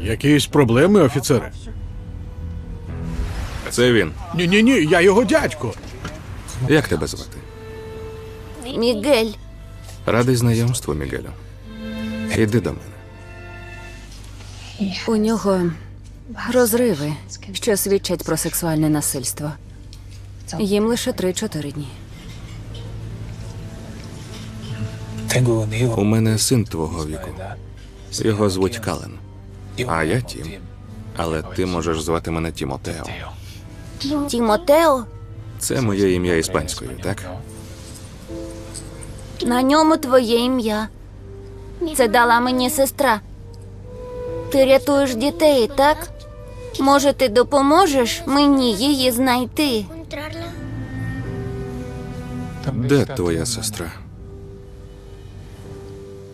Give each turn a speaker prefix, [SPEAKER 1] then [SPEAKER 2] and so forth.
[SPEAKER 1] Якісь проблеми, офіцере?
[SPEAKER 2] Це він.
[SPEAKER 1] Ні, я його дядько.
[SPEAKER 2] Як тебе звати?
[SPEAKER 3] Мігель.
[SPEAKER 2] Радий знайомству, Мігелю. Іди до мене.
[SPEAKER 3] У нього розриви, що свідчать про сексуальне насильство. Їм лише 3-4 дні.
[SPEAKER 2] У мене син твого віку. Його звуть Кален. А я Тім. Але ти можеш звати мене Тімотео.
[SPEAKER 3] Тімотео?
[SPEAKER 2] Це моє ім'я іспанською, так?
[SPEAKER 3] На ньому твоє ім'я. Це дала мені сестра. Ти рятуєш дітей, так? Може, ти допоможеш мені її знайти?
[SPEAKER 2] Де твоя сестра?